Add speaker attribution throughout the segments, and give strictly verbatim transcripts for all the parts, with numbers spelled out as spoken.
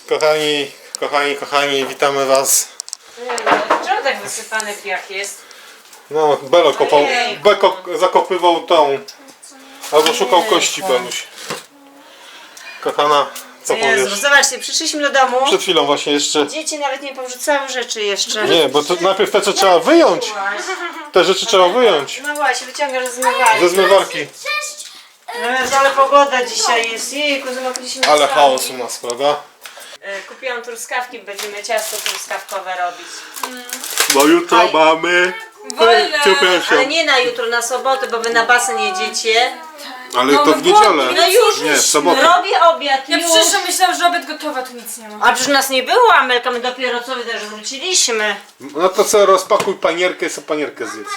Speaker 1: Kochani, kochani, kochani, witamy was.
Speaker 2: Czemu tak wysypany piach jest?
Speaker 1: No, Belo kopał,
Speaker 2: Ojejku.
Speaker 1: Beko zakopywał tą, albo szukał
Speaker 2: Ojejku.
Speaker 1: kości, Beluś. Kochana, co
Speaker 2: Jezu,
Speaker 1: powiesz?
Speaker 2: zobaczcie, przyszliśmy do domu.
Speaker 1: Przed chwilą właśnie jeszcze.
Speaker 2: Dzieci nawet nie porzucały rzeczy jeszcze.
Speaker 1: Nie, bo to najpierw te co trzeba wyjąć. Te rzeczy trzeba wyjąć.
Speaker 2: No właśnie, wyciągasz ze zmywarki.
Speaker 1: Ze zmywarki.
Speaker 2: No, ale pogoda dzisiaj jest. Jejku, zmogliśmy
Speaker 1: Ale
Speaker 2: sami.
Speaker 1: chaos u nas, prawda?
Speaker 2: E, Kupiłam truskawki, będziemy ciasto truskawkowe robić.
Speaker 1: Bo jutro
Speaker 2: Aj.
Speaker 1: mamy.
Speaker 3: Wolne.
Speaker 2: Ale nie na jutro, na sobotę, bo wy na basen jedziecie.
Speaker 1: Ale
Speaker 3: No,
Speaker 1: to w niedzielę.
Speaker 2: No już,
Speaker 1: Nie, w sobotę.
Speaker 2: robię obiad,
Speaker 3: Ja
Speaker 2: już.
Speaker 3: przyszłam, myślałam, że obiad gotowa, tu nic nie ma.
Speaker 2: A przecież nas nie było, Amelka, my dopiero co też wróciliśmy.
Speaker 1: No to co, rozpakuj panierkę i sobie panierkę zjedz.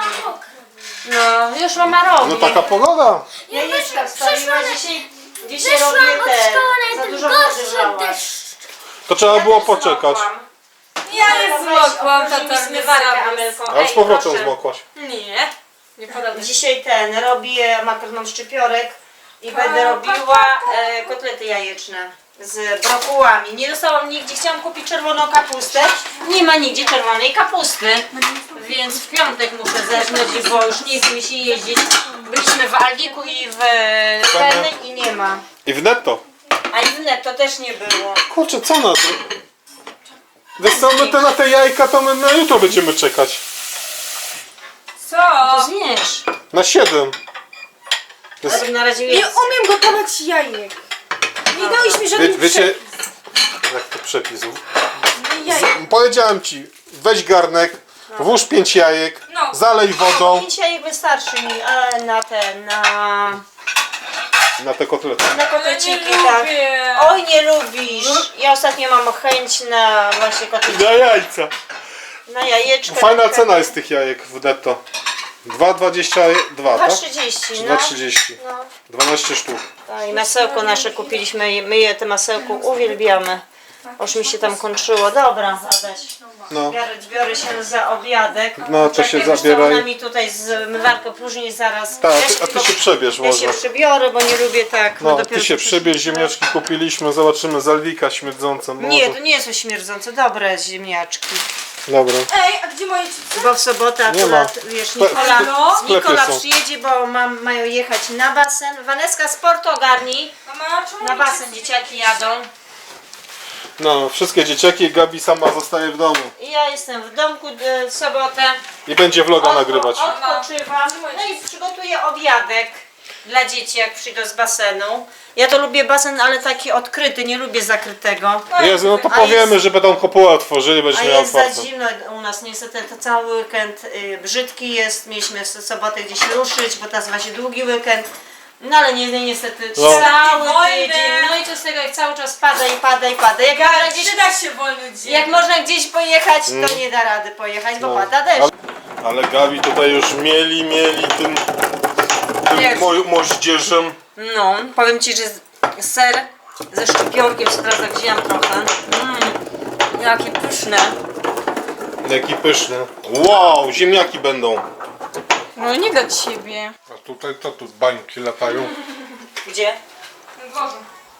Speaker 2: No, już mama robi.
Speaker 1: No taka pogoda.
Speaker 2: Jajeczka wstawiła dzisiaj, dzisiaj robię te, za dużo wody wlałaś.
Speaker 1: To trzeba było poczekać.
Speaker 3: Ja nie zmokłam,
Speaker 2: tata
Speaker 3: tata mnie
Speaker 2: zmywarkę,
Speaker 3: zawiózł.
Speaker 2: Amelko.
Speaker 1: Ale z
Speaker 2: Ej,
Speaker 1: powrotem
Speaker 2: proszę.
Speaker 1: zmokłaś.
Speaker 3: Nie, nie podoba.
Speaker 2: Dzisiaj ten, robię makaron szczypiorek i będę robiła e, kotlety jajeczne z brokułami. Nie dostałam nigdzie, chciałam kupić czerwoną kapustę, nie ma nigdzie czerwonej kapusty, więc w piątek muszę zerknąć, bo już nie chce mi się jeździć. Byliśmy w Aldiku i w Penny i nie ma.
Speaker 1: I w netto.
Speaker 2: A i w Netto też nie było.
Speaker 1: Kurczę, co na to? Wiesz co, my te na te jajka to my na jutro będziemy czekać.
Speaker 3: Co?
Speaker 2: To zmierz.
Speaker 1: Na siedem. To jest,
Speaker 2: Ale na razie
Speaker 3: Nie
Speaker 2: jest.
Speaker 3: umiem gotować jajek. Nie dałeś mi
Speaker 1: wie,
Speaker 3: żadnych
Speaker 1: wiecie, jak to przepis?
Speaker 3: jajek.
Speaker 1: Powiedziałem ci, weź garnek, włóż pięć jajek,
Speaker 3: No.
Speaker 1: zalej wodą
Speaker 2: Pięć jajek wystarczy mi, ale na ten, na,
Speaker 1: na te kotlety.
Speaker 2: na
Speaker 3: Ja
Speaker 2: kotleciki,
Speaker 3: nie
Speaker 2: tak.
Speaker 3: lubię.
Speaker 2: Oj, nie lubisz. Ja ostatnio mam chęć na właśnie kotleciki,
Speaker 1: Na jajca.
Speaker 2: na jajeczkę.
Speaker 1: Fajna
Speaker 2: takie.
Speaker 1: cena jest tych jajek w netto. dwa dwadzieścia dwa,
Speaker 2: dwa
Speaker 1: tak?
Speaker 2: trzydzieści,
Speaker 1: Czy
Speaker 2: no.
Speaker 1: dwa trzydzieści?
Speaker 2: No.
Speaker 1: dwanaście sztuk.
Speaker 2: No i masełko nasze kupiliśmy, my je te masełko uwielbiamy. Już mi się tam kończyło. Dobra, Adaś.
Speaker 1: No.
Speaker 2: Biorę, biorę się za obiadek.
Speaker 1: No, to
Speaker 2: Czekaj,
Speaker 1: się
Speaker 2: wiesz co,
Speaker 1: zabieraj.
Speaker 2: Ona mi tutaj zmywarkę próżni zaraz.
Speaker 1: Tak,
Speaker 2: Ja
Speaker 1: a ty,
Speaker 2: się
Speaker 1: a ty
Speaker 2: tylko-
Speaker 1: się przebierz
Speaker 2: Ja
Speaker 1: może.
Speaker 2: się przybiorę, bo nie lubię tak.
Speaker 1: No,
Speaker 2: dopiero
Speaker 1: ty się
Speaker 2: co
Speaker 1: przebierz,
Speaker 2: przyszliśmy.
Speaker 1: ziemniaczki kupiliśmy, zobaczymy z Alwika śmierdzące może.
Speaker 2: Nie, to nie jest śmierdzące, dobre ziemniaczki.
Speaker 1: Dobra.
Speaker 3: Ej, a gdzie moje chipsy?
Speaker 2: Bo w sobotę
Speaker 1: Nie ma.
Speaker 2: akurat, wiesz,
Speaker 1: Spe-
Speaker 2: Nikola,
Speaker 3: No.
Speaker 1: w sklepie
Speaker 2: Nikola
Speaker 1: są.
Speaker 2: przyjedzie, bo mam, mają jechać na basen. Waneska, sport ogarnij.
Speaker 3: Mama, czemu
Speaker 2: Na
Speaker 3: moje
Speaker 2: basen
Speaker 3: chipsy?
Speaker 2: dzieciaki jadą.
Speaker 1: No, wszystkie dzieciaki, Gabi sama zostaje w domu.
Speaker 2: I ja jestem w domku e, w sobotę.
Speaker 1: I będzie vloga nagrywać.
Speaker 2: Odpoczywam. No i przygotuję obiadek dla dzieci, jak przyjdą z basenu. Ja to lubię basen, ale taki odkryty, nie lubię zakrytego.
Speaker 1: Jezu, no to
Speaker 2: A
Speaker 1: powiemy,
Speaker 2: jest-
Speaker 1: że będą kopułę otworzyli,
Speaker 2: A
Speaker 1: będziesz miał
Speaker 2: jest za
Speaker 1: otwarte.
Speaker 2: zimno u nas, niestety to cały weekend y, brzydki jest. Mieliśmy w sobotę gdzieś ruszyć, bo nazywa się długi weekend. No ale nie, nie, niestety
Speaker 1: No.
Speaker 2: cały
Speaker 3: Wolne.
Speaker 2: tydzień. No i co z tego, jak cały czas pada i pada i pada. Jak, można
Speaker 3: Ja,
Speaker 2: gdzieś,
Speaker 3: przyda się wolny dzień.
Speaker 2: jak można gdzieś pojechać, to nie da rady pojechać, bo
Speaker 1: Mm. No.
Speaker 2: pada deszcz.
Speaker 1: Ale, ale Gabi tutaj już mieli, mieli tym,
Speaker 2: Wiesz.
Speaker 1: tym mo- moździerzem.
Speaker 2: No, powiem Ci, że z- ser ze szczypiorkiem sobie teraz tak wzięłam trochę. Mmm, jakie pyszne.
Speaker 1: Jaki pyszny. Wow, ziemniaki będą.
Speaker 3: No nie do ciebie.
Speaker 1: A tutaj to tu bańki latają.
Speaker 2: Gdzie?
Speaker 3: Boże.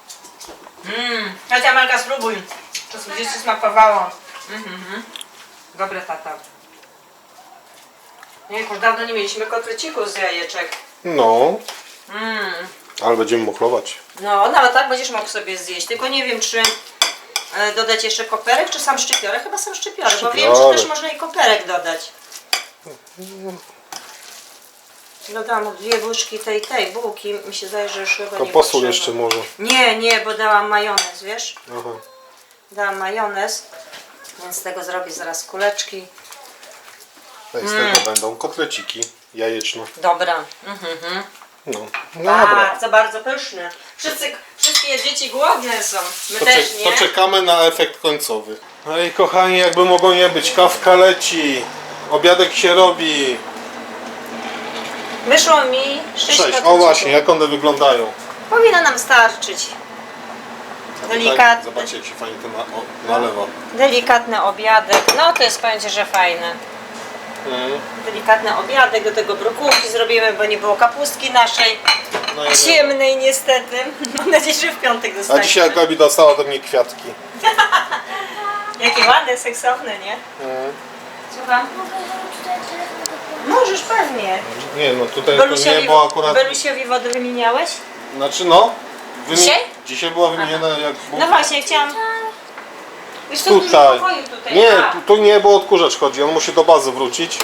Speaker 2: Mmm, chodź Amelka, spróbuj. To będzie Ci smakowało. Mhm. Dobre, tata. Nie, już dawno nie mieliśmy kotlecików z jajeczek.
Speaker 1: No,
Speaker 2: Mmm.
Speaker 1: ale będziemy mokrować.
Speaker 2: No, nawet tak będziesz mógł sobie zjeść. Tylko nie wiem, czy e, dodać jeszcze koperek, czy sam szczypiorek. Chyba sam szczypiorek, bo wiem, że
Speaker 1: Szczypiorek.
Speaker 2: też można i koperek dodać. Dodałam dwie łyżki tej, tej bułki. Mi się zdaje, że już chyba
Speaker 1: To
Speaker 2: nie
Speaker 1: posól
Speaker 2: potrzeba.
Speaker 1: jeszcze może.
Speaker 2: Nie, nie, bo dałam majonez, wiesz?
Speaker 1: Aha.
Speaker 2: Dałam majonez, więc z tego zrobię zaraz kuleczki.
Speaker 1: No i z tego będą kotleciki jajeczne.
Speaker 2: Dobra. Mhm.
Speaker 1: No, no dobra.
Speaker 2: Bardzo, bardzo pyszne. Wszyscy, wszystkie dzieci głodne są. My
Speaker 1: To,
Speaker 2: też,
Speaker 1: czek-
Speaker 2: nie?
Speaker 1: to czekamy na efekt końcowy. No i kochani, jakby mogło nie być, kawka leci, obiadek się robi.
Speaker 2: Wyszło mi sześć
Speaker 1: Cześć,
Speaker 2: kotlecików.
Speaker 1: o właśnie, jak one wyglądają.
Speaker 2: Powinno nam starczyć.
Speaker 1: Tak,
Speaker 2: Delikatny,
Speaker 1: zobaczcie, jak się fajnie to na, o, nalewa.
Speaker 2: delikatny obiadek. No to jest, powiem Ci, że fajne.
Speaker 1: Mm.
Speaker 2: Delikatny obiadek, do tego brokułki zrobimy, bo nie było kapustki naszej.
Speaker 1: No, ja wiem.
Speaker 2: ciemnej niestety. Mam nadzieję, że w piątek
Speaker 1: A
Speaker 2: dostaniemy.
Speaker 1: dzisiaj Gabi dostała do mnie kwiatki.
Speaker 2: Jakie ładne, seksowne, nie?
Speaker 1: Mm.
Speaker 2: Słucham?
Speaker 4: Mogę tutaj telefon do
Speaker 2: Możesz pewnie.
Speaker 1: Nie no, tutaj to nie,
Speaker 2: Belusiowi,
Speaker 1: bo akurat...
Speaker 2: Belusiowi wodę wymieniałeś?
Speaker 1: Znaczy no... wymi-
Speaker 2: Dzisiaj?
Speaker 1: Dzisiaj była wymieniona jak...
Speaker 2: No właśnie, chciałam... Wiesz co,
Speaker 1: Tutaj.
Speaker 2: dużo pokoju tutaj.
Speaker 1: Nie,
Speaker 2: A,
Speaker 1: tu, tu nie, bo odkurzacz chodzi, on musi do bazy wrócić.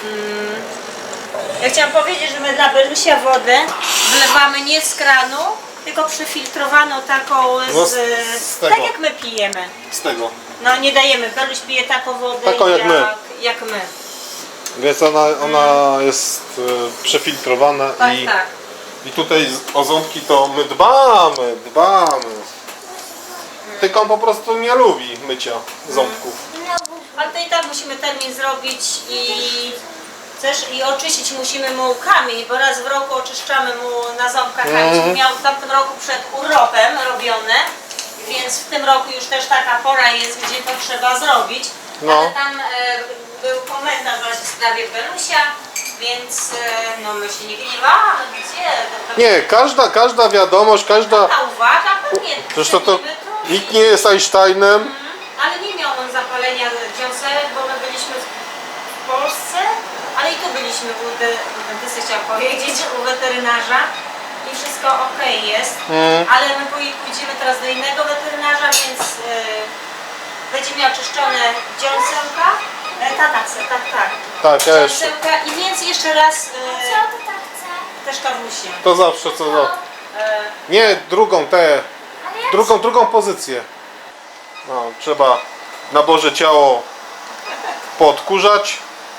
Speaker 2: ja chciałam powiedzieć, że my dla Belusia wodę wlewamy nie z kranu, tylko przefiltrowaną taką z...
Speaker 1: No z- z tego.
Speaker 2: tak jak my pijemy.
Speaker 1: Z tego.
Speaker 2: No nie dajemy, Beluś pije taką wodę
Speaker 1: Taką jak my.
Speaker 2: jak my.
Speaker 1: Więc ona, ona jest e, przefiltrowana
Speaker 2: Tak,
Speaker 1: i,
Speaker 2: tak.
Speaker 1: i tutaj z- o ząbki to my dbamy, dbamy. Tylko on po prostu nie lubi mycia ząbków.
Speaker 2: Ale to i tak musimy termin zrobić i też i oczyścić musimy mu kamień, bo raz w roku oczyszczamy mu na ząbkach kamień.
Speaker 1: Mhm.
Speaker 2: Miał w tamtym roku przed urlopem robione, więc w tym roku już też taka pora jest, gdzie to trzeba zrobić.
Speaker 1: No.
Speaker 2: Ale tam e, był komentarz właśnie w sprawie Belusia, więc e, no my się nie gniewamy, gdzie? To- to-
Speaker 1: Nie, każda, każda wiadomość, każda...
Speaker 2: Ta uwaga, pewnie
Speaker 1: Zresztą to
Speaker 2: cenimy to.
Speaker 1: nikt nie jest Einsteinem.
Speaker 2: Mhm. Ale nie miał on zapalenia dziąsełek, bo my byliśmy w Polsce, ale i tu byliśmy u, de, u dentysty, chciałam powiedzieć, u weterynarza i wszystko ok jest,
Speaker 1: Mm.
Speaker 2: ale my pój- pójdziemy teraz do innego weterynarza, więc e, będzie miał czyszczone dziąsełka, e, tak, tak, tak, tak,
Speaker 1: Tak, ja jeszcze.
Speaker 2: dziąsełka i więc jeszcze raz
Speaker 4: Co
Speaker 2: e,
Speaker 4: ty tak chce?
Speaker 2: też kawusie.
Speaker 1: To zawsze co za...
Speaker 2: E,
Speaker 1: Nie, drugą tę,
Speaker 4: Ale ja
Speaker 1: drugą, drugą pozycję. No, trzeba na Boże ciało poodkurzać.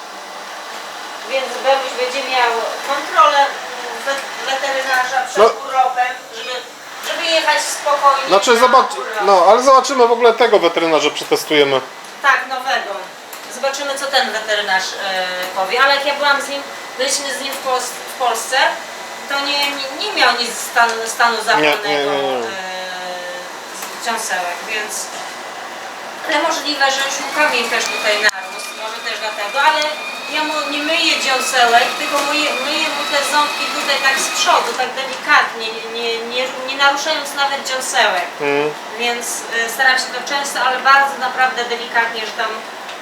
Speaker 2: Więc Beluś będzie miał kontrolę we- weterynarza przed
Speaker 1: No.
Speaker 2: urlopem, żeby, żeby jechać spokojnie.
Speaker 1: Znaczy
Speaker 2: na
Speaker 1: zobacz,
Speaker 2: urlop.
Speaker 1: no ale zobaczymy w ogóle tego weterynarza, przetestujemy.
Speaker 2: Tak, nowego. Zobaczymy, co ten weterynarz e, powie. Ale jak ja byłam z nim, byliśmy z nim w, Pols w Polsce, to nie, nie, nie miał nic stanu, stanu zapalnego
Speaker 1: nie, nie, nie.
Speaker 2: e, z dziąsełek, więc... Ale możliwe, że już mu kamień też tutaj narósł, może też dlatego, ale ja mu nie myję dziąsełek, tylko myję, myję mu te ząbki tutaj tak z przodu, tak delikatnie, nie, nie, nie, nie naruszając nawet dziąsełek.
Speaker 1: Mm.
Speaker 2: Więc e, staram się to często, ale bardzo naprawdę delikatnie, że tam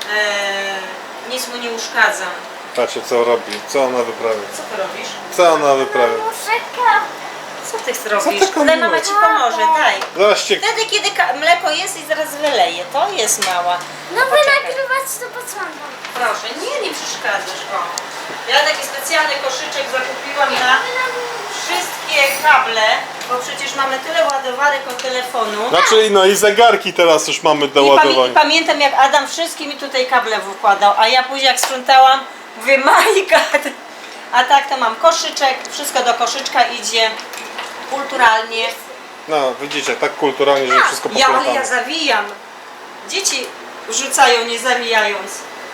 Speaker 2: e, nic mu nie uszkadzam.
Speaker 1: Patrzcie co robi, co ona wyprawia.
Speaker 2: Co ty robisz?
Speaker 1: Co ona wyprawia.
Speaker 4: muszę
Speaker 2: Co ty robisz?
Speaker 1: ty
Speaker 2: Ale mama
Speaker 1: kombinujesz?
Speaker 2: ci pomoże, daj.
Speaker 1: Zobaczcie,
Speaker 2: Wtedy, kiedy ka- mleko jest i zaraz wyleje, to jest mała.
Speaker 4: No wy
Speaker 2: Poczekaj.
Speaker 4: nagrywać to podsłaniam.
Speaker 2: Proszę, nie, nie przeszkadzasz, o. Ja taki specjalny koszyczek zakupiłam na wszystkie kable, bo przecież mamy tyle ładowarek od telefonu.
Speaker 1: znaczy no i zegarki teraz już mamy do
Speaker 2: I, pamię- I
Speaker 1: ładowania.
Speaker 2: pamiętam, jak Adam wszystkim mi tutaj kable wykładał, a ja później jak sprzątałam, mówię, my God. A tak to mam koszyczek, wszystko do koszyczka idzie kulturalnie.
Speaker 1: No widzicie, tak kulturalnie, że wszystko
Speaker 2: Ja, ale ja
Speaker 1: poplątane.
Speaker 2: zawijam. Dzieci rzucają nie zawijając.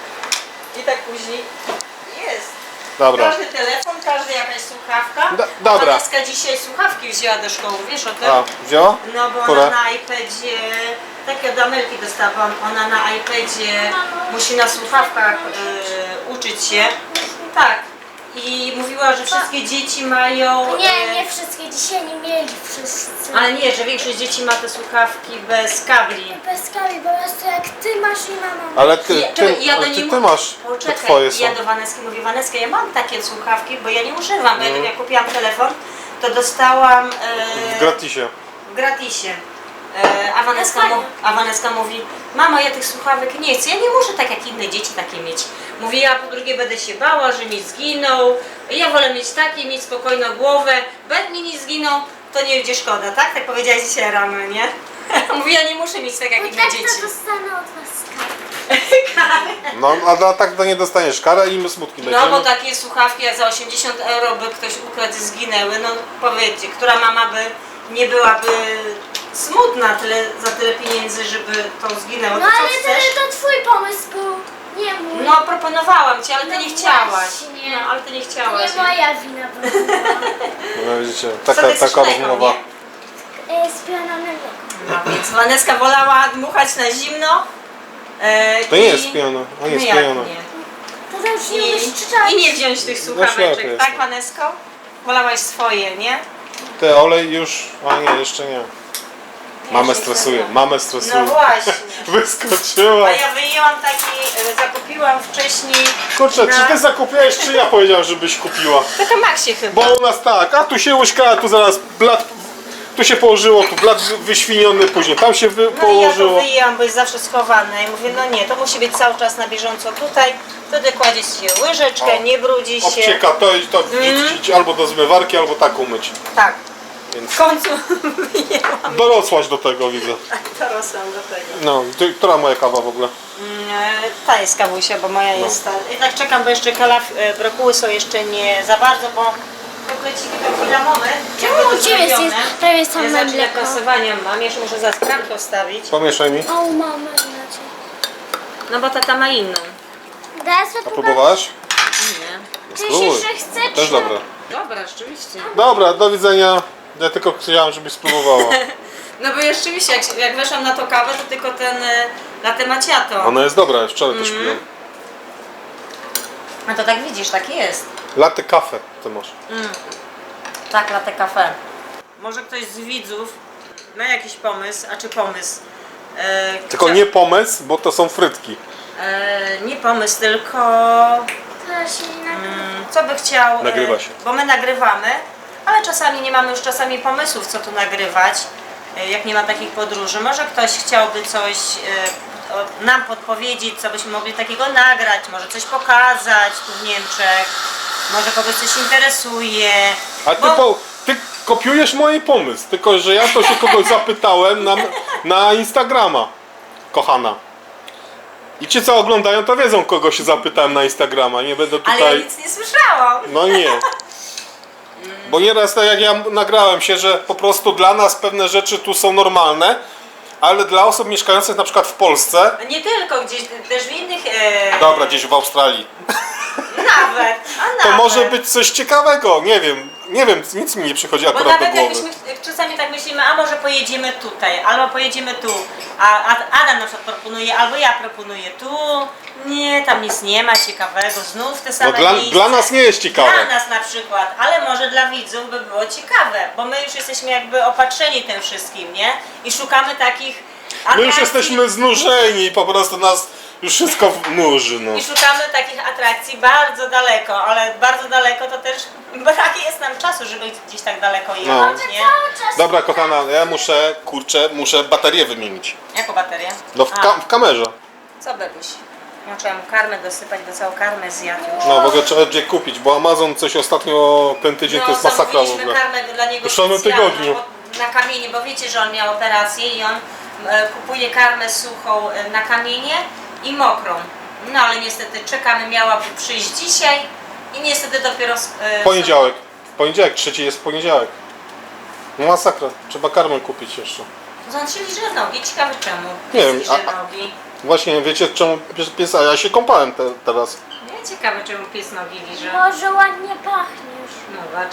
Speaker 2: I tak później jest.
Speaker 1: Dobra,
Speaker 2: Każdy telefon, każdy jakaś słuchawka.
Speaker 1: Do- dobra.
Speaker 2: Waneska dzisiaj słuchawki wzięła do szkoły, wiesz o tym?
Speaker 1: a wzięła?
Speaker 2: No bo
Speaker 1: Które?
Speaker 2: ona na iPadzie, takie od Amelki dostałam, ona na iPadzie musi na słuchawkach y, uczyć się. Tak. I mówiła, że wszystkie dzieci mają...
Speaker 4: Nie,
Speaker 2: y,
Speaker 4: nie wszystkie. Dzisiaj nie mieli wszyscy.
Speaker 2: Ale nie, że większość dzieci ma te słuchawki bez kabli.
Speaker 4: Bez kali, po prostu jak ty masz i mama.
Speaker 1: Ale ty,
Speaker 2: Ja-
Speaker 1: ty,
Speaker 2: czekaj, ja do
Speaker 1: ale ty,
Speaker 2: niej
Speaker 1: ty
Speaker 2: mu-
Speaker 1: masz, te
Speaker 2: Poczekaj,
Speaker 1: twoje są.
Speaker 2: ja do Waneski mówię, Waneska, ja mam takie słuchawki, bo ja nie używam, bo ja
Speaker 1: Mm.
Speaker 2: jak kupiłam telefon, to dostałam
Speaker 1: W
Speaker 2: e,
Speaker 1: gratisie.
Speaker 2: w gratisie. E, a, Waneska mu, a Waneska mówi, mama, ja tych słuchawek nie chcę, ja nie muszę tak jak inne dzieci takie mieć. Mówi, ja po drugie będę się bała, że mi zginą, ja wolę mieć takie, mieć spokojną głowę, bo jak mi nie zginą, to nie będzie szkoda, tak? Tak powiedziałaś dzisiaj rano, nie? Mówi, ja nie muszę mieć tak jak
Speaker 4: Bo
Speaker 2: inne
Speaker 4: tak
Speaker 2: dzieci.
Speaker 4: to dostanę od was karę.
Speaker 1: No, a dla tak to nie dostaniesz karę i my smutki
Speaker 2: No
Speaker 1: będziemy.
Speaker 2: bo takie słuchawki jak za osiemdziesiąt euro by ktoś ukradł i zginęły, no powiedzcie, która mama by nie byłaby smutna tyle, za tyle pieniędzy, żeby to zginęło,
Speaker 4: No
Speaker 2: to co
Speaker 4: ale
Speaker 2: chcesz?
Speaker 4: to, to twój pomysł był. Nie mój.
Speaker 2: No proponowałam ci, ale ty
Speaker 4: No
Speaker 2: nie chciałaś.
Speaker 4: właśnie.
Speaker 2: No ale ty nie chciałaś.
Speaker 4: nie moja wina była.
Speaker 1: No widzicie,
Speaker 2: Co
Speaker 1: taka,
Speaker 2: ty chcesz
Speaker 1: taka
Speaker 2: mleko,
Speaker 1: rozmowa.
Speaker 2: nie?
Speaker 4: E, Z piononem
Speaker 2: No więc Waneska wolała dmuchać na zimno. E,
Speaker 1: To nie
Speaker 2: i-
Speaker 1: jest piano, a nie
Speaker 2: No
Speaker 1: jest
Speaker 2: jak
Speaker 1: piano.
Speaker 2: nie?
Speaker 4: To też nie umiesz
Speaker 2: I,
Speaker 4: czytać.
Speaker 2: I nie wziąć tych
Speaker 1: ślepy
Speaker 2: słuchaweczek,
Speaker 1: jestem.
Speaker 2: tak Wanesko? Wolałaś swoje, nie?
Speaker 1: Ty, olej już... A nie, jeszcze nie. Mamę stresuje, mamę
Speaker 2: No
Speaker 1: stresuje.
Speaker 2: właśnie.
Speaker 1: Wyskoczyła.
Speaker 2: A ja wyjęłam taki, e, zakupiłam wcześniej.
Speaker 1: Kurczę,
Speaker 2: na-
Speaker 1: czy ty zakupiłeś, czy ja powiedziałem, żebyś kupiła?
Speaker 2: To to Maxie chyba.
Speaker 1: Bo u nas tak, a tu się łyżka, a tu zaraz blat... Tu się położyło, tu blat wyświniony później, tam się wy...
Speaker 2: No i ja to
Speaker 1: położyło.
Speaker 2: wyjęłam, bo jest zawsze schowane. I mówię, no nie, to musi być cały czas na bieżąco tutaj. Wtedy kładzie się łyżeczkę,
Speaker 1: O.
Speaker 2: nie brudzi się.
Speaker 1: Obcieka to i to wrzucić albo do zmywarki, albo tak umyć.
Speaker 2: Tak.
Speaker 1: Więc
Speaker 2: W końcu wyjęłam.
Speaker 1: dorosłaś do tego, widzę.
Speaker 2: Dorosłam do tego.
Speaker 1: No, ty, która moja kawa w ogóle?
Speaker 2: Mm, e, Ta jest kawusia, bo moja jest ta. Jednak czekam, bo jeszcze kalaf, e, brokuły są jeszcze nie za bardzo, bo kokleciki to chwila moment.
Speaker 4: Czemu
Speaker 2: jakby
Speaker 4: u
Speaker 2: to
Speaker 4: Ciebie jest
Speaker 2: zrobione.
Speaker 4: prawie
Speaker 2: Ja
Speaker 4: same
Speaker 2: zacznę
Speaker 4: mleko?
Speaker 2: kasowania mam, jeszcze muszę za skramkę ostawić.
Speaker 1: Pomieszaj mi.
Speaker 4: O, mamy inaczej.
Speaker 2: No bo tata ma inną.
Speaker 4: Daj sobie
Speaker 1: A próbowałaś?
Speaker 2: Nie.
Speaker 4: Ty
Speaker 1: Spróbuj.
Speaker 4: się jeszcze chce,
Speaker 1: Też
Speaker 4: czy-
Speaker 1: dobre.
Speaker 2: Dobra, rzeczywiście.
Speaker 1: Dobra, do widzenia. Ja tylko chciałam, żebyś spróbowała.
Speaker 2: No bo rzeczywiście, jak, jak weszłam na to kawę, to tylko ten e, latte macchiato.
Speaker 1: Ona jest dobra, wczoraj też piłem.
Speaker 2: A to tak widzisz, tak jest.
Speaker 1: Latte kafe ty masz.
Speaker 2: Tak, latte cafe. Może ktoś z widzów ma jakiś pomysł, a czy pomysł? E,
Speaker 1: Tylko
Speaker 2: chcia-
Speaker 1: nie pomysł, bo to są frytki.
Speaker 2: E, nie pomysł, tylko
Speaker 4: Teraz się nie nagrywa.
Speaker 2: mm, co by chciał. e,
Speaker 1: Nagrywa się.
Speaker 2: Bo my nagrywamy, ale czasami nie mamy już czasami pomysłów, co tu nagrywać, e, jak nie ma takich podróży. Może ktoś chciałby coś e, o- nam podpowiedzieć, co byśmy mogli takiego nagrać, może coś pokazać tu w Niemczech, może kogoś coś interesuje.
Speaker 1: A ty,
Speaker 2: Bo-
Speaker 1: po, ty kopiujesz mój pomysł, tylko że ja to się kogoś zapytałem na, na Instagrama, kochana. I ci co oglądają to wiedzą, kogo się zapytałem na Instagrama, nie będę
Speaker 2: Ale ja
Speaker 1: tutaj...
Speaker 2: nic nie słyszałam.
Speaker 1: No nie. Bo nieraz tak jak ja nagrałem się, że po prostu dla nas pewne rzeczy tu są normalne, ale dla osób mieszkających na przykład w Polsce,
Speaker 2: Nie tylko, gdzieś też w innych. E,
Speaker 1: dobra, gdzieś w Australii,
Speaker 2: Nawet, a nawet.
Speaker 1: to może być coś ciekawego, nie wiem, nie wiem, nic mi nie przychodzi
Speaker 2: Bo
Speaker 1: akurat do
Speaker 2: nawet
Speaker 1: głowy.
Speaker 2: jakbyśmy czasami tak myślimy, a może pojedziemy tutaj, albo pojedziemy tu, a, a Adam na przykład proponuje, albo ja proponuję tu, nie, tam nic nie ma ciekawego, znów te same
Speaker 1: No dla,
Speaker 2: miejsca.
Speaker 1: dla nas nie jest ciekawe.
Speaker 2: Dla nas na przykład, ale może dla widzów by było ciekawe, bo my już jesteśmy jakby opatrzeni tym wszystkim, nie? I szukamy takich
Speaker 1: My już
Speaker 2: atrakcji.
Speaker 1: jesteśmy znużeni i po prostu nas już wszystko nuży, no.
Speaker 2: I szukamy takich atrakcji bardzo daleko, ale bardzo daleko to też brak jest nam czasu, żeby gdzieś tak daleko jechać, nie?
Speaker 4: Cały czas
Speaker 1: Dobra kochana, ja muszę, kurczę, muszę baterię wymienić.
Speaker 2: Jaką baterię?
Speaker 1: No w,
Speaker 2: A,
Speaker 1: ka- w kamerze.
Speaker 2: co Bebuś? Ja trzeba mu karmę dosypać, bo całą karmę zjadł już.
Speaker 1: No w ogóle trzeba gdzie kupić, bo Amazon coś ostatnio ten tydzień to jest masakra w
Speaker 2: zamówiliśmy
Speaker 1: ogóle.
Speaker 2: karmę dla niego
Speaker 1: W samym
Speaker 2: specjalną,
Speaker 1: tygodniu.
Speaker 2: bo- na kamienie, bo wiecie, że on miał operację i on e, kupuje karmę suchą e, na kamienie i mokrą. No ale niestety czekamy, miałaby przyjść dzisiaj i niestety dopiero... E,
Speaker 1: Poniedziałek. Poniedziałek, trzeci jest poniedziałek. No masakra, trzeba karmę kupić jeszcze.
Speaker 2: On się liże nogi, ciekawe czemu.
Speaker 1: Nie wiem,
Speaker 2: Liże
Speaker 1: a- a-
Speaker 2: nogi.
Speaker 1: Właśnie, wiecie czemu pies, pies a ja się kąpałem te, teraz.
Speaker 2: Nie, ciekawe czemu pies nogi liże.
Speaker 4: może ładnie pachniesz.
Speaker 2: No zobacz.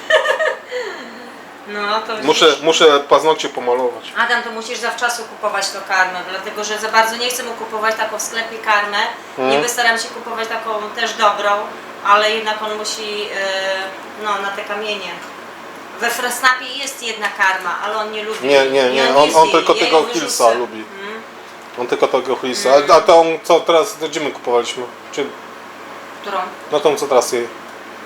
Speaker 2: No to
Speaker 1: Muszę,
Speaker 2: widzisz.
Speaker 1: muszę paznokcie pomalować.
Speaker 2: Adam, to musisz zawczasu kupować tą karmę, dlatego że za bardzo nie chcę mu kupować taką w sklepie karmę.
Speaker 1: Mhm.
Speaker 2: Niby staram się kupować taką też dobrą, ale jednak on musi e, no, na te kamienie. We Fressnapie jest jedna karma, ale on nie lubi.
Speaker 1: Nie, nie,
Speaker 2: I
Speaker 1: nie,
Speaker 2: nie
Speaker 1: on, on
Speaker 2: zje
Speaker 1: tylko
Speaker 2: jej, ja
Speaker 1: tego
Speaker 2: ją wyrzucę.
Speaker 1: Hillsa lubi.
Speaker 2: Mhm.
Speaker 1: On tylko tego Hillsa. A, a tą, co teraz, gdzie my kupowaliśmy? Czy,
Speaker 2: Którą?
Speaker 1: no tą, co teraz jej.
Speaker 2: Mm,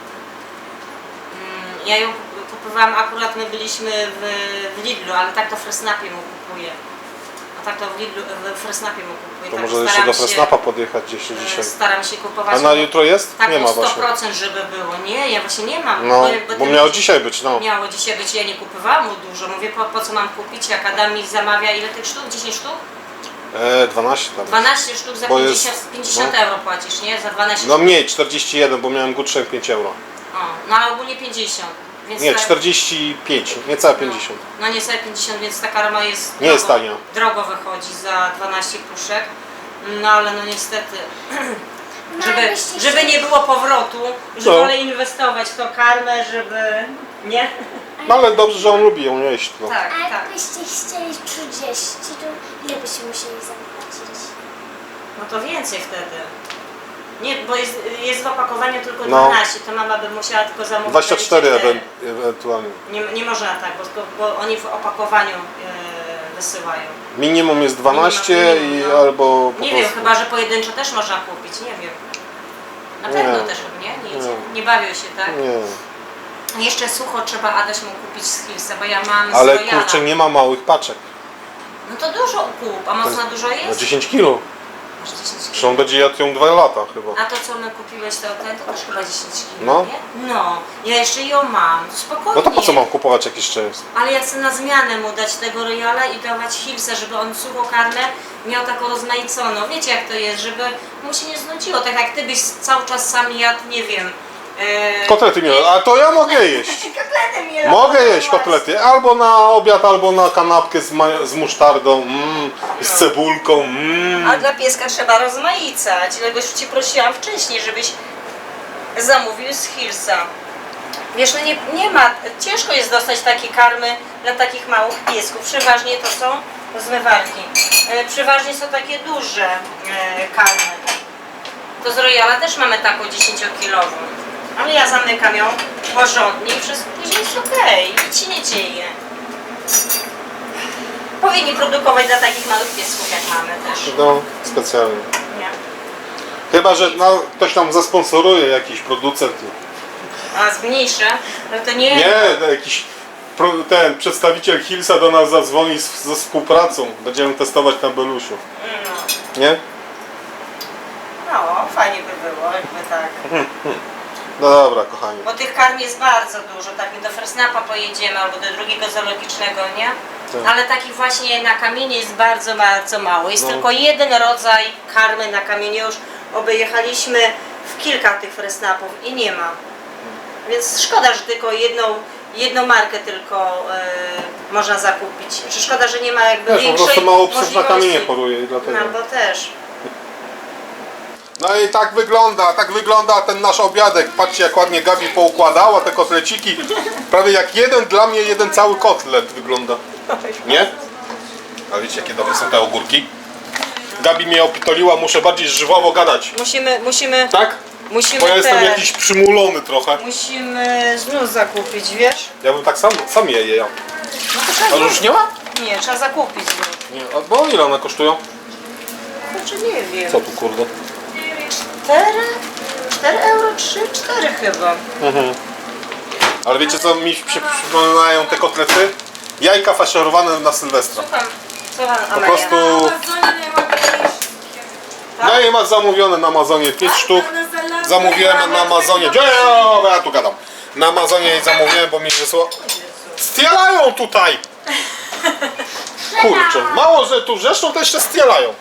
Speaker 2: Ja ją kup- kupowałam, akurat my byliśmy w, w Lidlu, ale tak to w Fressnapie mu kupuję. A tak to w Lidlu, w Fressnapie mu kupuję.
Speaker 1: To
Speaker 2: tak
Speaker 1: może jeszcze
Speaker 2: staram
Speaker 1: do
Speaker 2: się-
Speaker 1: Fressnapa podjechać gdzieś
Speaker 2: e,
Speaker 1: dzisiaj.
Speaker 2: Staram się kupować.
Speaker 1: A na jutro jest?
Speaker 2: Taką
Speaker 1: Nie ma
Speaker 2: sto
Speaker 1: właśnie.
Speaker 2: procent, żeby było. Nie, ja właśnie nie mam.
Speaker 1: No,
Speaker 2: bo
Speaker 1: bo
Speaker 2: ten-
Speaker 1: miało dzisiaj być, no.
Speaker 2: Miało dzisiaj być, ja nie kupowałam mu dużo. Mówię, po, po co mam kupić, jak Adam mi zamawia ile tych sztuk? dziesięć sztuk?
Speaker 1: E, dwanaście tam.
Speaker 2: dwanaście sztuk za
Speaker 1: Bo jest-
Speaker 2: pięćdziesiąt, pięćdziesiąt
Speaker 1: no.
Speaker 2: euro płacisz, nie? Za dwanaście
Speaker 1: No
Speaker 2: sztuk.
Speaker 1: mniej, czterdzieści jeden, bo miałem gutschein pięć euro.
Speaker 2: O, no ale ogólnie pięćdziesiąt. Więc
Speaker 1: Nie,
Speaker 2: tak-
Speaker 1: czterdzieści pięć, niecałe pięćdziesiąt.
Speaker 2: No, no niecałe pięćdziesiąt, więc ta karma jest
Speaker 1: Nie jest tania.
Speaker 2: drogo wychodzi za dwanaście puszek. No ale no niestety,
Speaker 4: No,
Speaker 2: żeby,
Speaker 4: jakbyście
Speaker 2: żeby
Speaker 4: chcieli-
Speaker 2: nie było powrotu, że
Speaker 1: No.
Speaker 2: wolę inwestować w tą karmę, żeby... Nie?
Speaker 1: No ale dobrze, że on lubi ją jeść. No.
Speaker 2: Tak,
Speaker 4: A
Speaker 2: tak.
Speaker 4: jakbyście chcieli trzydzieści, to ile byście musieli zapłacić?
Speaker 2: No to więcej wtedy. Nie, bo jest, jest w opakowaniu tylko
Speaker 1: No.
Speaker 2: dwanaście, to mama by musiała tylko zamówić.
Speaker 1: dwadzieścia cztery
Speaker 2: dwadzieścia
Speaker 1: ewen- ewentualnie.
Speaker 2: Nie, nie można tak, bo, bo oni w opakowaniu e, wysyłają.
Speaker 1: Minimum jest dwanaście
Speaker 2: Minimum,
Speaker 1: i
Speaker 2: no.
Speaker 1: albo po
Speaker 2: Nie
Speaker 1: prostu...
Speaker 2: wiem, chyba że pojedynczo też można kupić, nie wiem. Na pewno
Speaker 1: Nie.
Speaker 2: też, nie? Nie,
Speaker 1: Nie.
Speaker 2: nie bawią się, tak?
Speaker 1: Nie.
Speaker 2: Jeszcze sucho trzeba Adaś mu kupić z Hillsa, bo ja mam
Speaker 1: Ale
Speaker 2: z Royala.
Speaker 1: kurczę, nie ma małych paczek.
Speaker 2: No to dużo kup, a mocno dużo
Speaker 1: Na
Speaker 2: jest?
Speaker 1: dziesięć kilo.
Speaker 2: Masz dziesięć
Speaker 1: Zresztą
Speaker 2: kilo.
Speaker 1: on będzie jadł ją dwa lata chyba.
Speaker 2: A to co my kupiłeś to ten, to też chyba dziesięć kilo,
Speaker 1: No.
Speaker 2: nie? No, ja jeszcze ją mam, spokojnie.
Speaker 1: No to po co mam kupować jak jeszcze jest?
Speaker 2: Ale ja chcę na zmianę mu dać tego Royala i dawać Hillsa, żeby on suchokarne miał taką rozmaiconą. Wiecie jak to jest, żeby mu się nie znudziło, tak jak ty byś cały czas sam jadł, nie wiem... Yy,
Speaker 1: Kotlety miałem, a to ja mogę jeść.
Speaker 2: Kotlety miał.
Speaker 1: Mogę jeść kotlety albo na obiad, albo na kanapkę z, ma- z musztardą, mm, z cebulką. Mm.
Speaker 2: A dla pieska trzeba rozmaicać, dlatego już Cię prosiłam wcześniej, żebyś zamówił z Hillsa. Wiesz, no nie, nie ma, ciężko jest dostać takie karmy dla takich małych piesków. Przeważnie to są zmywarki. E, Przeważnie są takie duże e, karmy. To z Royala też mamy taką dziesięciokilową. Ale ja zamykam ją porządnie i wszystko później jest okej. Nic się nie dzieje. Powinni produkować dla takich małych piesków jak mamy też.
Speaker 1: No, specjalnie.
Speaker 2: Nie.
Speaker 1: Chyba, że no, ktoś nam zasponsoruje, jakiś producent.
Speaker 2: A zmniejszę, no to nie.
Speaker 1: Nie, no, jakiś pro, ten przedstawiciel Hillsa do nas zadzwoni z, ze współpracą. Będziemy testować na Belusiu.
Speaker 2: No,
Speaker 1: Nie?
Speaker 2: no, fajnie by było, jakby tak.
Speaker 1: No dobra, kochani.
Speaker 2: Bo tych karm jest bardzo dużo, tak my do Fresnapa pojedziemy albo do drugiego zoologicznego, nie?
Speaker 1: Tak.
Speaker 2: Ale takich właśnie na kamienie jest bardzo, bardzo mało. Jest
Speaker 1: No.
Speaker 2: tylko jeden rodzaj karmy na kamienie. Już obejechaliśmy w kilka tych Fresnapów i nie ma. Więc szkoda, że tylko jedną, jedną markę tylko e, można zakupić. Czy szkoda, że nie ma jakby
Speaker 1: Wiesz, po
Speaker 2: większej
Speaker 1: prostu mało psów na kamienie
Speaker 2: możliwości.
Speaker 1: poruje i dlatego.
Speaker 2: No bo też.
Speaker 1: No i tak wygląda, tak wygląda ten nasz obiadek. Patrzcie jak ładnie Gabi poukładała te kotleciki. Prawie jak jeden dla mnie, jeden cały kotlet wygląda. Nie? A wiecie jakie dobre są te ogórki? Gabi mnie opitoliła, muszę bardziej żwawo gadać.
Speaker 2: Musimy, musimy,
Speaker 1: Tak?
Speaker 2: musimy
Speaker 1: Bo ja jestem
Speaker 2: te-
Speaker 1: jakiś przymulony trochę.
Speaker 2: Musimy znów zakupić, wiesz?
Speaker 1: Ja bym tak sam, sam je je.
Speaker 2: No to trzeba
Speaker 1: Ale już nie ma?
Speaker 2: Nie, trzeba zakupić znów.
Speaker 1: Nie. A bo ile one kosztują?
Speaker 2: Kurczę, nie wiem.
Speaker 1: Co tu kurde?
Speaker 2: Cztery? Cztery euro? Trzy? Cztery chyba.
Speaker 1: Mhm. Ale wiecie co mi się przypominają te kotlety? Jajka faszerowane na Sylwestra.
Speaker 2: Słucham, słucham
Speaker 1: Po
Speaker 2: Amelia.
Speaker 1: prostu
Speaker 3: Amazonie najładniejsze.
Speaker 1: ja je mam zamówione na Amazonie pięć sztuk. Zamówiłem na Amazonie. Gdzie ja tu gadam? Na Amazonie je zamówiłem, bo mi wysłał. Stielają tutaj! Kurczę, mało że tu zresztą to jeszcze stielają.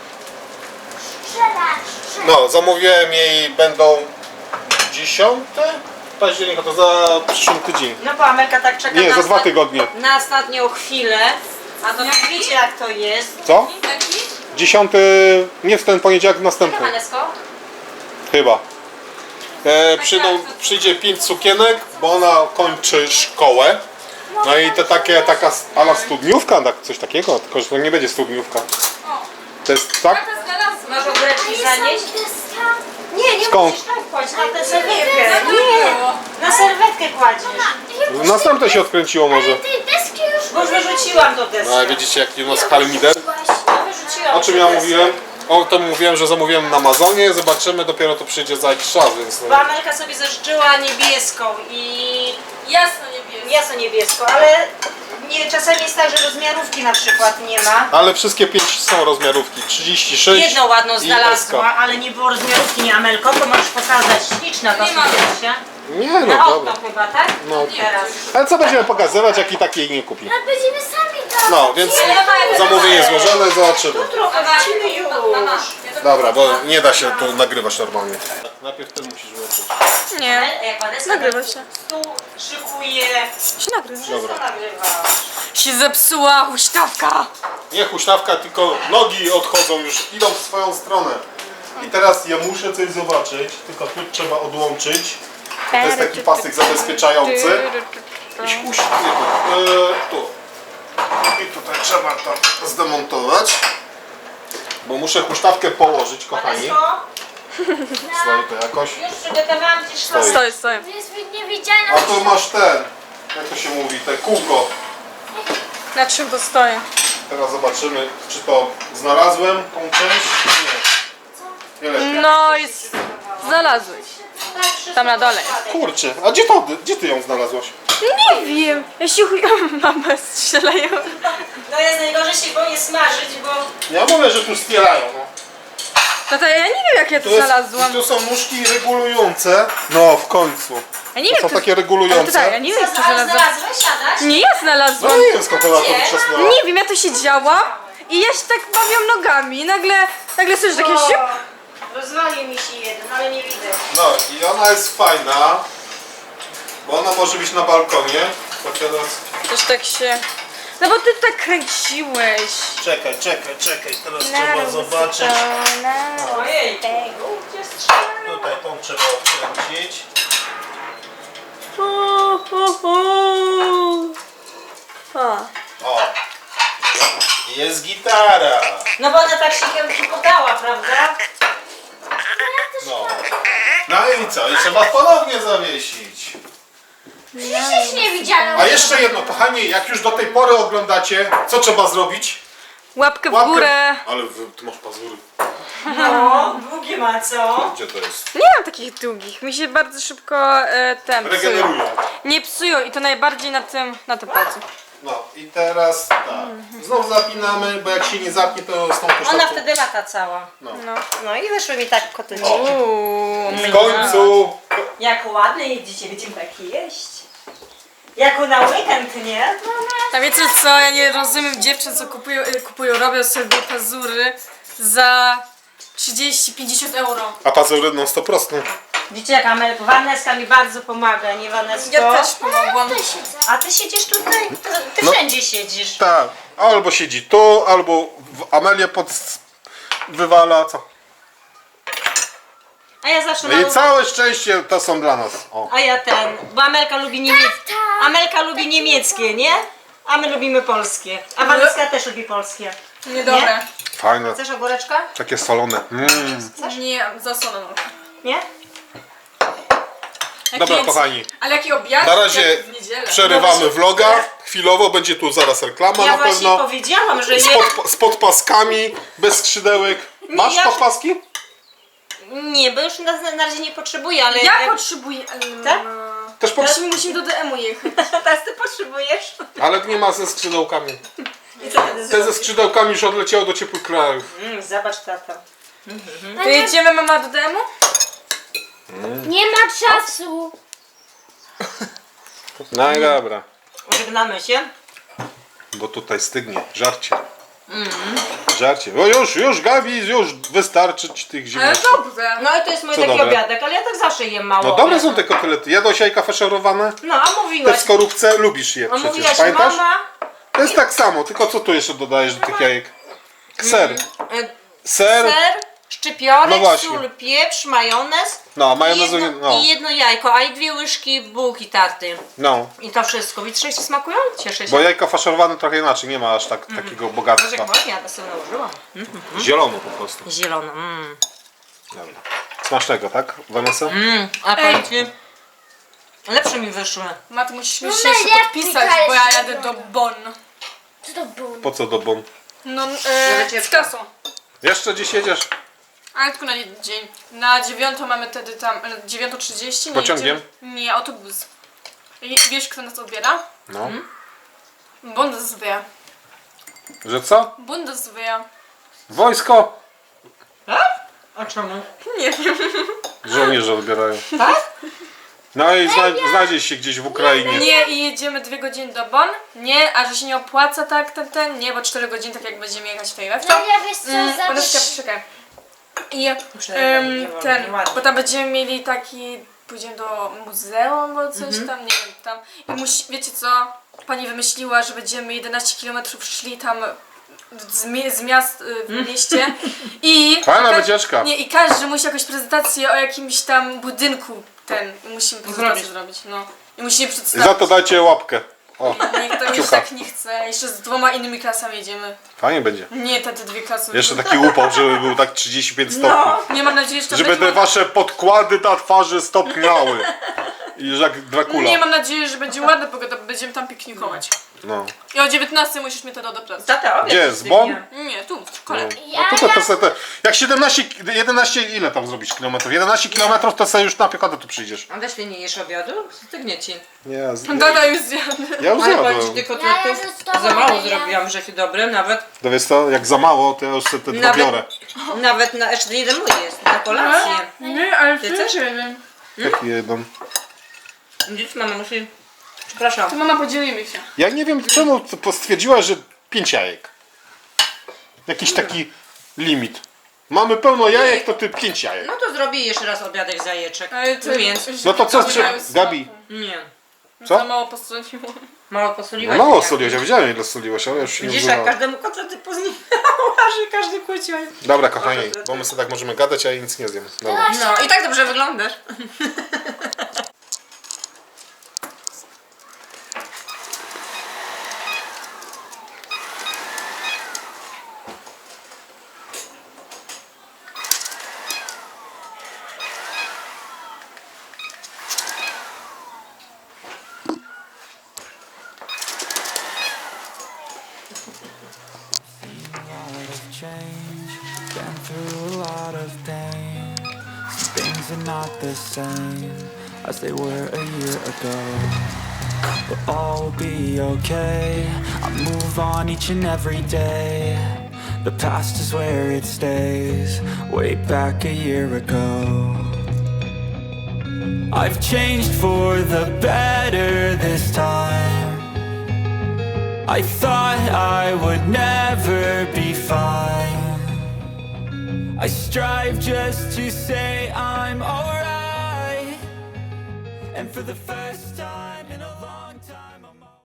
Speaker 1: No, zamówiłem jej będą dziesiąte października, to za przyszły tydzień.
Speaker 2: No bo Amelka tak czeka
Speaker 1: Nie,
Speaker 2: na,
Speaker 1: za dwa
Speaker 2: ostat-
Speaker 1: tygodnie.
Speaker 2: na ostatnią chwilę. A to wiecie jak to jest.
Speaker 1: Co?
Speaker 3: Jaki?
Speaker 1: Dziesiąty, nie w ten poniedziałek, następny.
Speaker 2: Johannesko?
Speaker 1: Chyba. E, przyjdą, przyjdzie pięć sukienek, bo ona kończy szkołę. No i to takie, taka ala studniówka, tak, coś takiego, tylko że to nie będzie studniówka.
Speaker 3: O,
Speaker 1: To jest tak?
Speaker 3: tata znalazła.
Speaker 2: Masz ogóreczki zanieść? Nie, nie
Speaker 1: Skąd?
Speaker 2: musisz tak kłaść na tę serwetkę.
Speaker 3: Nie,
Speaker 2: Nie,
Speaker 3: było.
Speaker 2: na serwetkę kładziesz.
Speaker 1: Następne się odkręciło może.
Speaker 4: Tej deski już
Speaker 2: Bo już wyrzuciłam do deski.
Speaker 1: No, ale widzicie jaki u nas harmider?
Speaker 2: No, wyrzuciłam
Speaker 1: O czym
Speaker 2: do
Speaker 1: ja
Speaker 2: deski.
Speaker 1: mówiłem? O tym mówiłem, że zamówiłem na Amazonie, zobaczymy, dopiero to przyjdzie za jakiś czas, więc...
Speaker 2: Bo Amelka sobie zażyczyła niebieską i
Speaker 3: Jasno niebieskie.
Speaker 2: jasno niebieską, ale nie, czasami jest tak, że rozmiarówki na przykład nie ma.
Speaker 1: Ale wszystkie pięć są rozmiarówki, trzydzieści sześć
Speaker 2: Jedną ładną
Speaker 1: i S
Speaker 2: znalazła,
Speaker 1: K.
Speaker 2: ale nie było rozmiarówki, nie Amelko, to możesz pokazać. Śliczna ta
Speaker 3: Nie ma.
Speaker 2: sukienka.
Speaker 1: Nie
Speaker 2: Na
Speaker 1: no,
Speaker 2: okno
Speaker 1: dobra.
Speaker 2: chyba, tak?
Speaker 1: No.
Speaker 2: Teraz.
Speaker 1: Ale co będziemy pokazywać, jak i tak jej nie kupi?
Speaker 4: A będziemy sami to.
Speaker 1: No, więc zamówienie złożone, zobaczymy.
Speaker 2: Jutro wrócimy już.
Speaker 3: Mama, ja to
Speaker 1: Dobra, bo nie da się tu nagrywać normalnie. Najpierw ty musisz wyłączyć.
Speaker 3: Nie.
Speaker 2: Jak Vanessa
Speaker 3: Nagrywa się.
Speaker 2: tu szykuje.
Speaker 3: Się nagrywa.
Speaker 1: Dobra.
Speaker 2: Co nagrywasz?
Speaker 3: Się zepsuła huśtawka.
Speaker 1: Nie huśtawka, tylko nogi odchodzą już, idą w swoją stronę. I teraz ja muszę coś zobaczyć, tylko tu trzeba odłączyć. To jest taki pasek zabezpieczający. I huśtawka, e, tu. I tutaj trzeba to zdemontować. Bo muszę huśtawkę położyć, kochani.
Speaker 2: Vanesko,
Speaker 1: Stoi to jakoś.
Speaker 2: Już przygotowałam ci szkołę.
Speaker 3: Stoję, stoję.
Speaker 4: To jest niewidzialna.
Speaker 1: A tu masz ten, jak to się mówi, te kółko.
Speaker 3: Na czym to stoję?
Speaker 1: Teraz zobaczymy, czy to znalazłem, tą część, czy nie. Nie lepiej.
Speaker 3: No i s- znalazłeś. Tam na dole.
Speaker 1: Kurczę, a gdzie, to, gdzie ty ją znalazłaś?
Speaker 3: Nie wiem. Ja się chuj... Mama strzelają.
Speaker 2: No jest najgorzej się boję smażyć, bo
Speaker 1: Ja mówię, że tu stierają. No.
Speaker 3: No to ja nie wiem jak ja to
Speaker 1: Tu, jest,
Speaker 3: znalazłam.
Speaker 1: tu są nóżki regulujące. No, w końcu.
Speaker 3: Ja nie
Speaker 1: To
Speaker 3: wiem
Speaker 1: są
Speaker 3: to...
Speaker 1: takie
Speaker 3: Ale
Speaker 1: regulujące.
Speaker 3: tutaj, ja nie wiem
Speaker 2: co,
Speaker 3: jak to
Speaker 2: a
Speaker 3: znalazłam.
Speaker 2: znalazłeś, siadasz?
Speaker 3: Nie, ja
Speaker 1: No
Speaker 3: znalazłam.
Speaker 1: nie wiem, skąd ona to wyczesnęła.
Speaker 3: Nie wiem, ja tu siedziałam i ja się tak bawiłam nogami i nagle, nagle słyszę takie siup.
Speaker 2: Rozwalił mi się jeden, ale nie widzę.
Speaker 1: No i ona jest fajna, bo ona może być na balkonie. To teraz...
Speaker 3: Też tak się... No bo ty tak kręciłeś.
Speaker 1: Czekaj, czekaj, czekaj, teraz
Speaker 3: Na
Speaker 1: trzeba zobaczyć.
Speaker 2: Ojej. Gdzie strzelają?
Speaker 1: Tutaj tą trzeba odkręcić.
Speaker 3: O.
Speaker 1: O! Jest gitara!
Speaker 2: No bo ona tak się podała, prawda?
Speaker 1: No. No i co? I trzeba ponownie zawiesić.
Speaker 4: Przecież jest niewidzialna.
Speaker 1: A jeszcze jedno, kochani, jak już do tej pory oglądacie, co trzeba zrobić?
Speaker 3: Łapkę w
Speaker 1: Łapkę-
Speaker 3: górę.
Speaker 1: Ale wy, ty masz pazury.
Speaker 2: No, długie ma co?
Speaker 1: Gdzie to jest?
Speaker 3: Nie mam takich długich. Mi się bardzo szybko e, ten psują.
Speaker 1: Regenerują.
Speaker 3: Nie psują i to najbardziej na tym, na tym palcu.
Speaker 1: No i teraz tak. Znowu zapinamy, bo jak się nie zapnie, to z tą poszlaką.
Speaker 2: Ona wtedy lata cała.
Speaker 1: No.
Speaker 2: No i wyszły mi tak kotleci.
Speaker 1: O.
Speaker 3: Uuu.
Speaker 1: W końcu.
Speaker 2: Jak ładne jedziecie, będziemy tak jeść. Jak na weekend, nie?
Speaker 3: A wiecie co, ja nie rozumiem dziewczyn, co kupują, e, kupują robią sobie pazury za trzydzieści pięćdziesiąt euro.
Speaker 1: A pazury non stop rosną.
Speaker 2: Widzicie jak Amel, Waneska mi bardzo pomaga, nie Wanesko?
Speaker 3: Ja też pomogłam.
Speaker 2: A ty siedzisz tutaj? Ty, ty
Speaker 1: No.
Speaker 2: wszędzie siedzisz.
Speaker 1: Tak. Albo siedzi tu, albo w Amelię pod... wywala, co?
Speaker 2: A ja zawsze
Speaker 1: No i
Speaker 2: mam...
Speaker 1: całe szczęście to są dla nas. O.
Speaker 2: A ja ten, bo Amelka lubi niemieckie. Amelka lubi niemieckie, nie? A my lubimy polskie. A Waneska też lubi polskie.
Speaker 3: Niedobre.
Speaker 1: Fajne.
Speaker 2: Chcesz ogóreczka?
Speaker 1: Takie solone. Mm.
Speaker 3: Nie, zasolone.
Speaker 2: Nie?
Speaker 1: Dobra, kochani.
Speaker 3: Ale jaki obiad?
Speaker 1: Na razie
Speaker 3: Jak w niedzielę.
Speaker 1: przerywamy vloga. Chwilowo będzie tu zaraz reklama
Speaker 2: Ja
Speaker 1: na
Speaker 2: właśnie
Speaker 1: pewno.
Speaker 2: powiedziałam, że
Speaker 1: Z,
Speaker 2: je...
Speaker 1: pod, z podpaskami, bez skrzydełek. Masz
Speaker 2: ja-
Speaker 1: podpaski?
Speaker 2: Nie, bo już na, na razie nie potrzebuję, ale...
Speaker 3: Ja
Speaker 2: jak-
Speaker 3: potrzebuję.
Speaker 2: Tak?
Speaker 1: Też pod...
Speaker 3: Musimy, musimy do D M-u jechać.
Speaker 2: Teraz ty potrzebujesz?
Speaker 1: Ale nie ma ze skrzydełkami.
Speaker 2: I co wtedy
Speaker 1: Te ze
Speaker 2: zrobisz?
Speaker 1: skrzydełkami już odleciało do ciepłych krajów.
Speaker 2: Mm, zobacz tata.
Speaker 3: To jedziemy mama do D M-u?
Speaker 4: Nie ma czasu.
Speaker 1: No i dobra.
Speaker 2: Żegnamy się.
Speaker 1: Bo tutaj stygnie. Żarcie. Żarcie. O już, już Gabi, już wystarczy ci tych
Speaker 3: Ale
Speaker 1: ziemniaków.
Speaker 3: dobrze.
Speaker 2: No i to jest mój
Speaker 1: Co
Speaker 2: taki
Speaker 1: dobre?
Speaker 2: obiadek, ale ja tak zawsze jem mało.
Speaker 1: No dobre są te kotlety. Jadłaś jajka faszerowane?
Speaker 2: No, a
Speaker 1: Te
Speaker 2: mówiłaś.
Speaker 1: w skorupce lubisz je
Speaker 2: A
Speaker 1: przecież,
Speaker 2: mówiłaś
Speaker 1: pamiętasz?
Speaker 2: mama.
Speaker 1: To jest tak samo, tylko co tu jeszcze dodajesz do tych jajek? Ser.
Speaker 2: e,
Speaker 1: Ser.
Speaker 2: Ser, szczypiorek,
Speaker 1: No właśnie.
Speaker 2: sól, pieprz, majonez.
Speaker 1: No,
Speaker 2: I
Speaker 1: majonezu
Speaker 2: jedno,
Speaker 1: nie... No.
Speaker 2: I jedno jajko, a i dwie łyżki bułki tarty.
Speaker 1: no.
Speaker 2: I to wszystko. Widzisz, się smakują? Cieszę się.
Speaker 1: Bo jajka faszerowane trochę inaczej, nie ma aż tak, takiego
Speaker 2: Boże,
Speaker 1: bogactwa.
Speaker 2: jak ładnie, ja to sobie nałożyłam.
Speaker 1: Zielono po prostu.
Speaker 2: Zielono. Mm.
Speaker 1: Dobra. Smacznego, tak, Vanessa?
Speaker 2: Mm. A powiem ci, lepsze mi wyszły.
Speaker 3: Mat, musisz mi
Speaker 4: No
Speaker 3: się jeszcze
Speaker 4: najlepiej
Speaker 3: podpisać, bo ja
Speaker 4: każdy
Speaker 3: jadę do Bonn.
Speaker 4: Co to było?
Speaker 1: Po co do bon?
Speaker 3: No, e, z klasą.
Speaker 1: Jeszcze dziś jedziesz?
Speaker 3: Ale tylko na jeden dzień. Na dziewiątą mamy wtedy tam, e, dziewiąta trzydzieści. nie
Speaker 1: Pociągiem?
Speaker 3: jedziemy- Nie, autobus. I wiesz, kto nas odbiera?
Speaker 1: No.
Speaker 3: Bundeswehr.
Speaker 1: Że co?
Speaker 3: Bundeswehr.
Speaker 1: Wojsko!
Speaker 2: A czemu?
Speaker 3: Nie wiem.
Speaker 1: Żołnierze odbierają.
Speaker 2: Tak?
Speaker 1: No i zna znajdzie się gdzieś w Ukrainie.
Speaker 3: Nie, i jedziemy dwie godziny do Bonn. Nie, a że się nie opłaca tak ten, ten. Nie, bo cztery godziny tak jak będziemy jechać tutaj we wtorek.
Speaker 4: No ja wiesz co,
Speaker 3: Mm,
Speaker 4: za...
Speaker 3: Boneska, poczekaj. I
Speaker 2: Przerywaj,
Speaker 3: em,
Speaker 2: nie wolno,
Speaker 3: ten,
Speaker 2: nieładnie.
Speaker 3: bo tam będziemy mieli taki, pójdziemy do muzeum albo coś
Speaker 2: Mhm.
Speaker 3: tam, nie wiem, tam. I musi, wiecie co, pani wymyśliła, że będziemy jedenaście kilometrów szli tam z, mi- z miast y, w mieście i...
Speaker 1: Fajna
Speaker 3: ka-
Speaker 1: wycieczka.
Speaker 3: Nie, i każdy musi jakąś prezentację o jakimś tam budynku ten, musimy prezentację
Speaker 2: Zrobić.
Speaker 3: zrobić, no. I musimy
Speaker 1: I
Speaker 3: przedstawić.
Speaker 1: za to dajcie łapkę. O,
Speaker 3: Niech to już
Speaker 1: Kciuka.
Speaker 3: tak nie chce. Jeszcze z dwoma innymi klasami jedziemy.
Speaker 1: fajnie będzie.
Speaker 3: Nie, te, te dwie klasy.
Speaker 1: Jeszcze taki upał, żeby był tak trzydzieści pięć stopni.
Speaker 2: No.
Speaker 3: Nie mam nadziei, że to
Speaker 1: Żeby
Speaker 3: będzie...
Speaker 1: te wasze podkłady na twarzy stopniały. I że jak Dracula.
Speaker 3: Nie mam nadziei, że będzie ładna pogoda, bo będziemy tam piknikować.
Speaker 1: No.
Speaker 3: I o dziewiętnastej musisz mnie to do pracy.
Speaker 2: Tata, obiad
Speaker 1: Gdzie,
Speaker 2: jest
Speaker 1: z Bon?
Speaker 2: dnia.
Speaker 3: Nie, tu, w
Speaker 1: No.
Speaker 3: szkole.
Speaker 1: A tutaj to se te, jak siedemnaście, jedenaście, ile tam zrobić kilometrów? jedenaście kilometrów to sobie już na piechotę tu przyjdziesz.
Speaker 2: A weź nie jesz obiadu? Stygnie ci.
Speaker 1: Nie, z,
Speaker 3: Gada już zjadł.
Speaker 1: ja już
Speaker 2: Ale powiem ci,
Speaker 1: zjadłem.
Speaker 2: tych
Speaker 4: Ja
Speaker 2: kotletów
Speaker 4: już z tobą
Speaker 2: za mało
Speaker 4: będę
Speaker 2: zrobiłam, że się dobre, nawet,
Speaker 1: To wiesz co, jak za mało, to ja już sobie te dwa
Speaker 2: Nawet-
Speaker 1: biorę.
Speaker 2: nawet na, jeszcze jeden mój jest, na kolację.
Speaker 3: Nie, ale
Speaker 2: Ty też?
Speaker 3: wiem.
Speaker 1: Jaki jeden?
Speaker 2: Dziś mama musi, przepraszam.
Speaker 3: To mama, podzielimy się.
Speaker 1: Ja nie wiem czemu to stwierdziła, że pięć jajek. Jakiś taki limit. Mamy pełno jajek, to ty pięć jajek.
Speaker 2: No to zrobię jeszcze raz obiadek z jajeczek.
Speaker 3: Ale to
Speaker 2: Więc,
Speaker 1: No to co,
Speaker 3: nie
Speaker 1: czy,
Speaker 3: mają
Speaker 1: Gabi?
Speaker 3: smaku.
Speaker 2: nie.
Speaker 1: Co?
Speaker 3: Za mało posoliłam.
Speaker 2: Mało
Speaker 1: No
Speaker 2: posoliłaś?
Speaker 1: mało
Speaker 2: jak?
Speaker 1: soliłeś, ja wiedziałem ile soliłeś, ale już się nie
Speaker 2: Widzisz, jak
Speaker 1: używałem.
Speaker 2: każdemu kotlety poznimałaś i każdy kłócił.
Speaker 1: Dobra kochani, bo my sobie tak możemy gadać, a ja nic nie zjem. Dobra.
Speaker 2: No i tak dobrze wyglądasz.
Speaker 5: Change, been through a lot of pain. Some things are not the same as they were a year ago. But all will be okay. I move on each and every day. The past is where it stays. Way back a year ago. I've changed for the better this time. I thought I would never be fine. I strive just to say I'm alright. And for the first time in a long time I'm